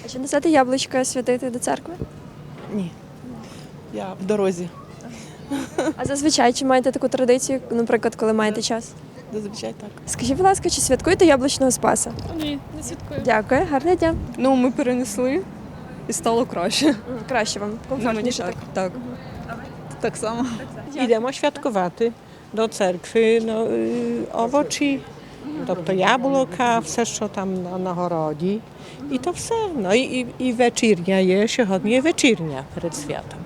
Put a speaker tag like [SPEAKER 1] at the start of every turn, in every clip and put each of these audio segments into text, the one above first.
[SPEAKER 1] А чи несете яблучка святити до церкви?
[SPEAKER 2] Ні. Я в дорозі.
[SPEAKER 1] А зазвичай чи маєте таку традицію, наприклад, коли маєте час?
[SPEAKER 2] Зазвичай так.
[SPEAKER 1] Скажіть, будь ласка, чи святкуєте яблучного Спаса?
[SPEAKER 3] Ні, не святкую.
[SPEAKER 1] Дякую, гарного дня.
[SPEAKER 3] Ну, ми перенесли і стало краще.
[SPEAKER 1] Краще вам, комфортніше так.
[SPEAKER 3] Так. Так само.
[SPEAKER 4] Йдемо святкувати до церкви овочі, тобто яблука, все, що там на городі. І то все. Ну і вечірня є, сьогодні є вечірня перед святом.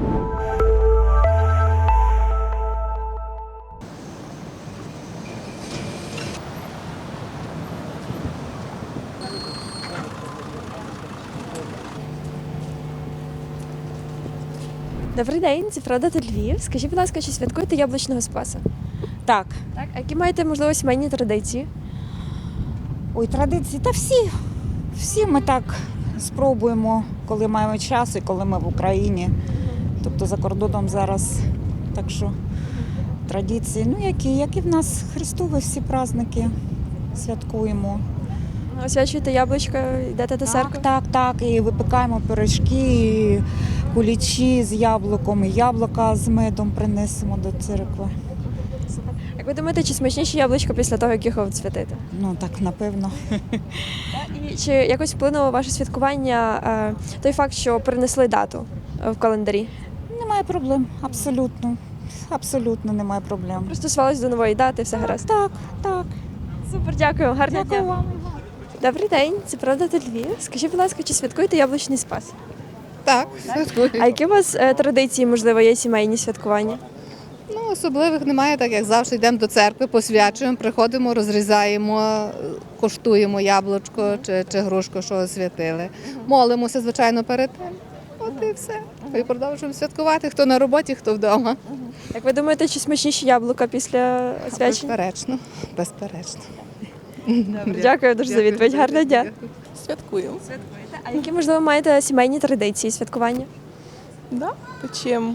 [SPEAKER 1] Добрий день, це Правда та Львів. Скажіть, будь ласка, чи святкуєте яблучного Спаса?
[SPEAKER 5] Так.
[SPEAKER 1] Так. А які маєте, можливо, сімейні традиції?
[SPEAKER 5] Ой, традиції. Та всі ми так спробуємо, коли маємо час і коли ми в Україні. Тобто за кордоном зараз. Так що традиції, ну які в нас Христові всі праздники святкуємо.
[SPEAKER 1] Освячуєте яблучка, йдете до церкви?
[SPEAKER 5] Так. І випікаємо пиріжки, і кулічі з яблуком, і яблука з медом принесемо до церкви.
[SPEAKER 1] Як ви думаєте, чи смачніші яблучка після того, як їх святити?
[SPEAKER 5] Ну так, напевно.
[SPEAKER 1] І чи якось вплинуло ваше святкування той факт, що перенесли дату в календарі?
[SPEAKER 5] Немає проблем, абсолютно. Абсолютно немає проблем.
[SPEAKER 1] Пристосувались до нової дати, все гаразд?
[SPEAKER 5] Так.
[SPEAKER 1] Супер, дякую, гарного
[SPEAKER 5] Дякую
[SPEAKER 1] дня.
[SPEAKER 5] вам.
[SPEAKER 1] Добрий день, це Правда та Львів. Скажіть, будь ласка, чи святкуєте яблучний Спас?
[SPEAKER 6] Так, святкую.
[SPEAKER 1] А які у вас традиції, можливо, є сімейні святкування?
[SPEAKER 6] Ну, особливих немає, так як завжди йдемо до церкви, посвячуємо, приходимо, розрізаємо, коштуємо яблучко чи грушку, що освятили. Молимося, звичайно, перед тим. От і все. І продовжуємо святкувати, хто на роботі, хто вдома.
[SPEAKER 1] Як ви думаєте, чи смачніші яблука після свячення?
[SPEAKER 6] Безперечно.
[SPEAKER 1] Дякую дуже за відповідь. Гарного дня.
[SPEAKER 2] Святкую.
[SPEAKER 1] А які, можливо, маєте сімейні традиції святкування?
[SPEAKER 2] Да? Печем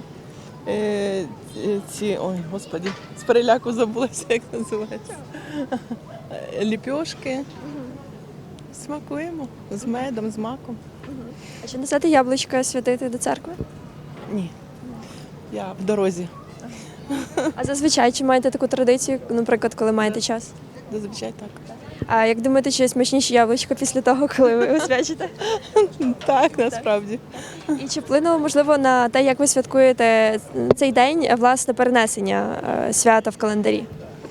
[SPEAKER 2] ой, господі, з переляку забулася, як називається. Ліпьошки. Смакуємо з медом, з маком.
[SPEAKER 1] А чи несете яблучка святити до церкви?
[SPEAKER 2] Ні. Я в дорозі.
[SPEAKER 1] А зазвичай чи маєте таку традицію, наприклад, коли маєте час?
[SPEAKER 2] Зазвичай так.
[SPEAKER 1] А як думаєте, чи смачніші яблучка після того, коли ви освячите?
[SPEAKER 2] Так, насправді.
[SPEAKER 1] І чи вплинуло, можливо, на те, як ви святкуєте цей день, власне, перенесення свята в календарі?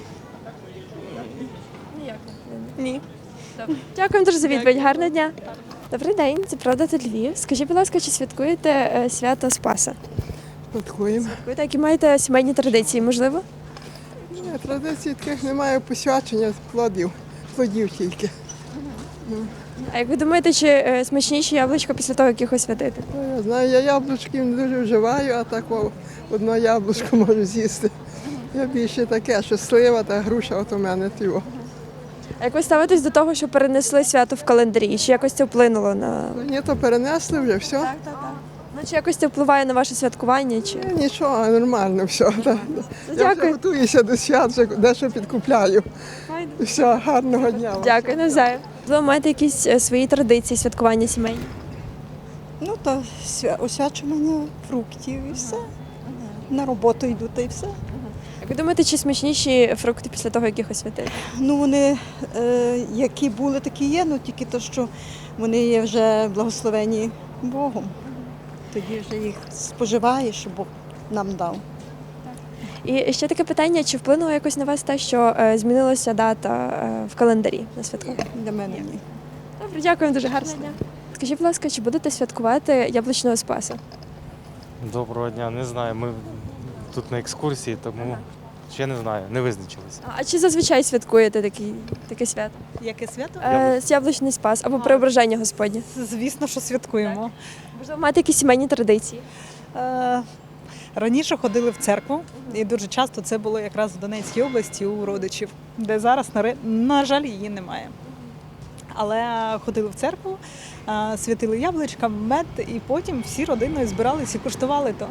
[SPEAKER 2] Ні.
[SPEAKER 1] Дякую дуже за відповідь. Гарного дня. Добрий день, це Правда та Львів. Скажіть, будь ласка, чи святкуєте свято Спаса?
[SPEAKER 7] Святкуємо.
[SPEAKER 1] Святкуєте, які маєте сімейні традиції, можливо?
[SPEAKER 7] Ні, традицій таких немає, посвячення плодів тільки.
[SPEAKER 1] А як ви думаєте, чи смачніші яблучка після того, як їх освятити?
[SPEAKER 7] Ну, я знаю, я яблучків не дуже вживаю, а так одне яблучко можу з'їсти. Я більше таке, що слива та груша, от у мене тіво.
[SPEAKER 1] А як ви ставитесь до того, що перенесли свято в календарі? Чи якось це вплинуло на...
[SPEAKER 7] Ні, то перенесли вже, все.
[SPEAKER 1] Ну, чи якось це впливає на ваше святкування? Чи...
[SPEAKER 7] Нічого, нормально все. Я вже
[SPEAKER 1] Дякую.
[SPEAKER 7] готуюся до свят, вже дещо підкупляю. Все, гарного дня вам.
[SPEAKER 1] Дякую, навзаєм. Ви маєте якісь свої традиції святкування сімейні?
[SPEAKER 8] Ну, то освячування фруктів і все. На роботу йду та й все.
[SPEAKER 1] Як ви думаєте, чи смачніші фрукти після того, як їх освятили?
[SPEAKER 8] Ну, вони які були, такі є, ну тільки то, що вони є вже благословені Богом. Тоді вже їх споживаєш, що Бог нам дав.
[SPEAKER 1] І ще таке питання, чи вплинуло якось на вас те, що змінилася дата в календарі на святкування?
[SPEAKER 8] Для мене ні.
[SPEAKER 1] Добре, дякую дуже, гарного дня. Скажіть, будь ласка, чи будете святкувати яблучного Спаса?
[SPEAKER 9] Доброго дня, не знаю. Ми тут на екскурсії, тому ще не знаю, не визначилися.
[SPEAKER 1] А чи зазвичай святкуєте таке свято?
[SPEAKER 8] Яке свято?
[SPEAKER 1] Яблучний Спас або Преображення Господнє?
[SPEAKER 8] Звісно, що святкуємо.
[SPEAKER 1] Можливо, маєте якісь сімейні традиції?
[SPEAKER 10] Раніше ходили в церкву, і дуже часто це було якраз в Донецькій області у родичів, де зараз, на жаль, її немає. Але ходили в церкву, святили яблучка, мед, і потім всі родиною збиралися і куштували то.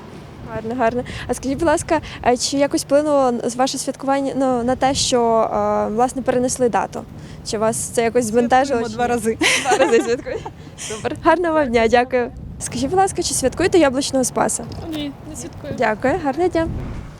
[SPEAKER 1] Гарно, гарно. А скажіть, будь ласка, чи якось вплинуло ваше святкування на те, що власне перенесли дату? Чи вас це якось збентежило?
[SPEAKER 10] Святкуємо 2 рази.
[SPEAKER 1] 2 рази святкуєте? Супер. Гарного вам дня, дякую. Скажіть, будь ласка, чи святкуєте яблучного Спаса?
[SPEAKER 3] Ні, не святкую.
[SPEAKER 1] Дякую, гарного дня.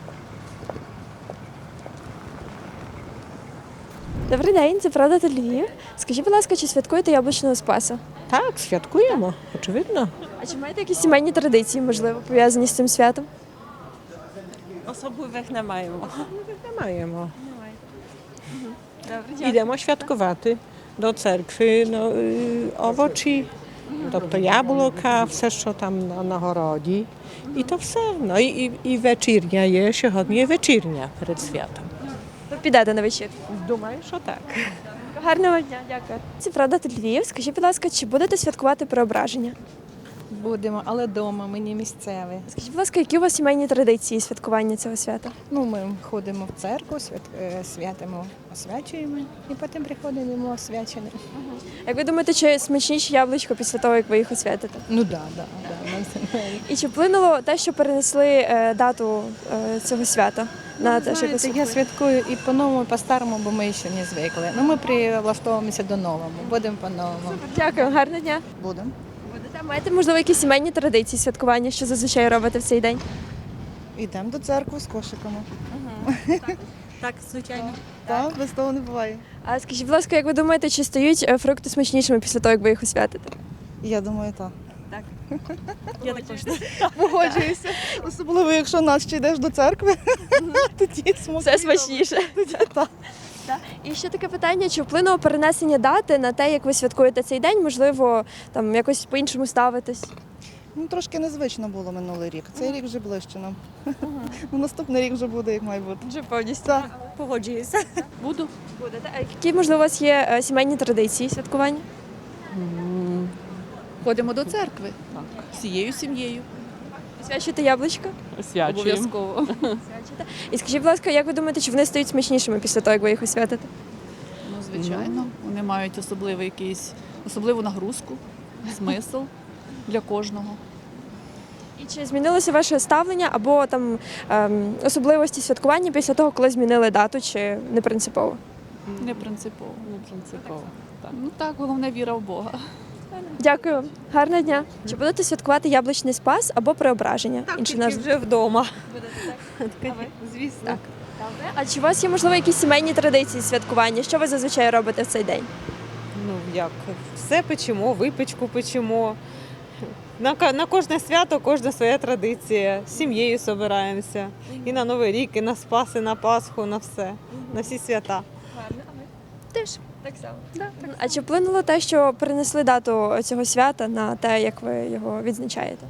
[SPEAKER 1] Добрий день, це правда та Львів. Скажіть, будь ласка, чи святкуєте яблучного Спаса?
[SPEAKER 4] Так, святкуємо, очевидно.
[SPEAKER 1] А чи маєте якісь сімейні традиції, можливо, пов'язані з цим святом?
[SPEAKER 2] Особливих не маємо.
[SPEAKER 4] Не маємо.
[SPEAKER 1] Добре,
[SPEAKER 4] Йдемо святкувати до церкви, овочі, тобто яблука, все, що там на городі. І то все. Ну, і вечірня є, сьогодні є вечірня перед святом.
[SPEAKER 1] Ви підете на вечір.
[SPEAKER 4] Думаю, що так.
[SPEAKER 1] Гарного вам дня, дякую. Це правда та Львів. Скажіть, будь ласка, чи будете святкувати Преображення?
[SPEAKER 3] Будемо, але вдома, ми не місцеві.
[SPEAKER 1] Скажіть, будь ласка, які у вас сімейні традиції святкування цього свята?
[SPEAKER 3] Ну, ми ходимо в церкву, святимо, освячуємо і потім приходимо освячені.
[SPEAKER 1] Як ви думаєте, чи смачніші яблучко після того, як ви їх освятите?
[SPEAKER 3] Ну так, да.
[SPEAKER 1] І чи вплинуло те, що перенесли дату цього свята на те, що ви
[SPEAKER 3] Знаєте, я
[SPEAKER 1] святкуєте?
[SPEAKER 3] святкую і по-новому, і по-старому, бо ми ще не звикли. Ну, ми прилаштовуємося до нового, будемо по-новому.
[SPEAKER 1] Дякую, гарного дня.
[SPEAKER 8] Будемо.
[SPEAKER 1] Будете маєте, можливо, якісь сімейні традиції святкування, що зазвичай робите в цей день?
[SPEAKER 8] Йдемо до церкви з кошиками.
[SPEAKER 2] Так, звичайно.
[SPEAKER 8] Так, без того не буває.
[SPEAKER 1] А скажіть, будь ласка, як ви думаєте, чи стають фрукти смачнішими після того, як ви їх освятите?
[SPEAKER 8] Я думаю, так.
[SPEAKER 2] Я також.
[SPEAKER 8] Погоджуюся. Особливо, якщо нас ще йдеш до церкви, тоді
[SPEAKER 1] Все смачніше.
[SPEAKER 8] Так.
[SPEAKER 1] І ще таке питання: чи вплинуло перенесення дати на те, як ви святкуєте цей день? Можливо, там якось по-іншому ставитись?
[SPEAKER 8] Ну, трошки незвично було минулий рік. Цей рік вже ближче нам. Ну, наступний рік вже буде, як має бути.
[SPEAKER 1] Вже повністю.
[SPEAKER 8] Так.
[SPEAKER 2] Погоджуюся. Буду.
[SPEAKER 1] Будете. А які, можливо, у вас є сімейні традиції святкування?
[SPEAKER 3] Ходимо до церкви.
[SPEAKER 2] Всією сім'єю.
[SPEAKER 1] Освячуєте яблучко?
[SPEAKER 2] Обов'язково.
[SPEAKER 1] Освячуєте. І скажіть, будь ласка, як ви думаєте, чи вони стають смачнішими після того, як ви їх освятите?
[SPEAKER 11] Ну, звичайно, вони мають особливу нагрузку, смисл для кожного.
[SPEAKER 1] І чи змінилося ваше ставлення або там особливості святкування після того, коли змінили дату, чи не принципово?
[SPEAKER 11] Не принципово. Так. Ну так, головне віра в Бога.
[SPEAKER 1] Дякую вам. Гарного дня. Чи будете святкувати яблучний Спас або Преображення? Інша назва.
[SPEAKER 2] вже вдома.
[SPEAKER 1] Звісно. А чи у вас є, можливо, якісь сімейні традиції святкування? Що ви зазвичай робите в цей день?
[SPEAKER 12] Ну як, все печемо, випічку печемо. На кожне свято, кожна своя традиція. З сім'єю збираємося. І на Новий рік, і на Спас, і на Пасху, на все, на всі свята.
[SPEAKER 1] Теж так само. А чи вплинуло те, що перенесли дату цього свята на те, як ви його відзначаєте?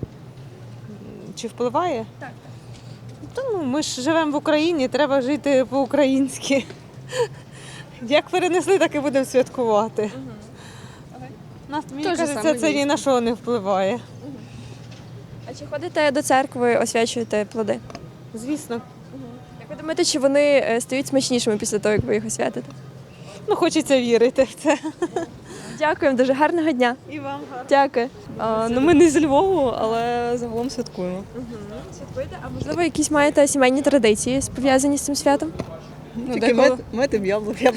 [SPEAKER 12] Чи впливає? Так. Ну, ми ж живемо в Україні, треба жити по-українськи. Як перенесли, так і будемо святкувати. Мені кажеться, це ні на що не впливає.
[SPEAKER 1] А чи ходите до церкви, освячуєте плоди?
[SPEAKER 12] Звісно.
[SPEAKER 1] Як ви думаєте, чи вони стають смачнішими після того, як ви їх освятите?
[SPEAKER 12] Ну, хочеться вірити в це.
[SPEAKER 1] Дякуємо, дуже гарного дня.
[SPEAKER 12] І вам гарно.
[SPEAKER 1] Дякую.
[SPEAKER 3] Ну, ми не зі Львову, але загалом святкуємо.
[SPEAKER 1] Святкуєте? А можливо, якісь маєте сімейні традиції пов'язані з цим святом?
[SPEAKER 3] Ну, тільки метим яблука.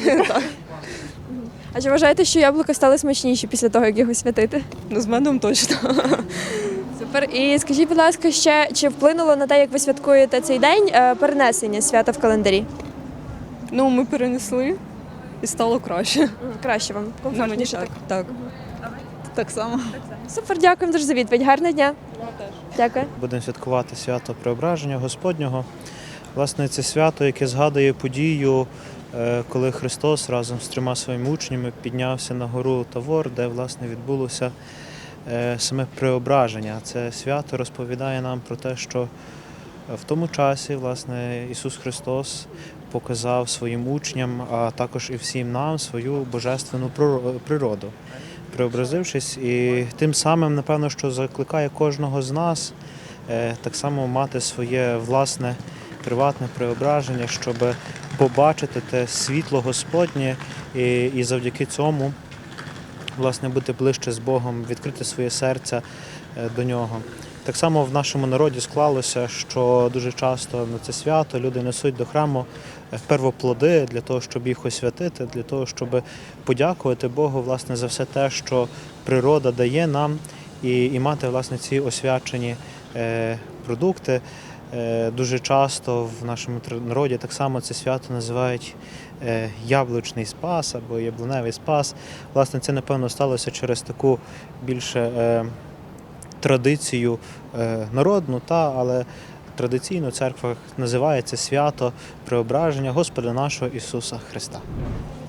[SPEAKER 1] А чи вважаєте, що яблука стали смачніші після того, як їх освятити?
[SPEAKER 3] Ну, з медом точно.
[SPEAKER 1] Супер. І скажіть, будь ласка, ще чи вплинуло на те, як ви святкуєте цей день, перенесення свята в календарі?
[SPEAKER 3] Ну, ми перенесли і стало краще.
[SPEAKER 1] Краще вам, комфортніше так.
[SPEAKER 3] Так. Так само.
[SPEAKER 1] Супер, дякуємо дуже за відповідь. Гарного дня. Дякую.
[SPEAKER 13] Будемо святкувати свято Преображення Господнього. Власне, це свято, яке згадує подію, коли Христос разом з 3 своїми учнями піднявся на гору Тавор, де, власне, відбулося саме преображення. Це свято розповідає нам про те, що в тому часі, власне, Ісус Христос показав своїм учням, а також і всім нам свою божественну природу, преобразившись, і тим самим, напевно, що закликає кожного з нас так само мати своє власне приватне преображення, щоб побачити те світло Господнє і завдяки цьому власне, бути ближче з Богом, відкрити своє серце до нього. Так само в нашому народі склалося, що дуже часто на це свято люди несуть до храму первоплоди для того, щоб їх освятити, для того, щоб подякувати Богу, власне, за все те, що природа дає нам, і мати, власне, ці освячені продукти. Дуже часто в нашому народі так само це свято називають яблучний спас або яблуневий спас. Власне, це, напевно, сталося через таку більше традицію народну, але традиційно в церквах називається свято Преображення Господа нашого Ісуса Христа.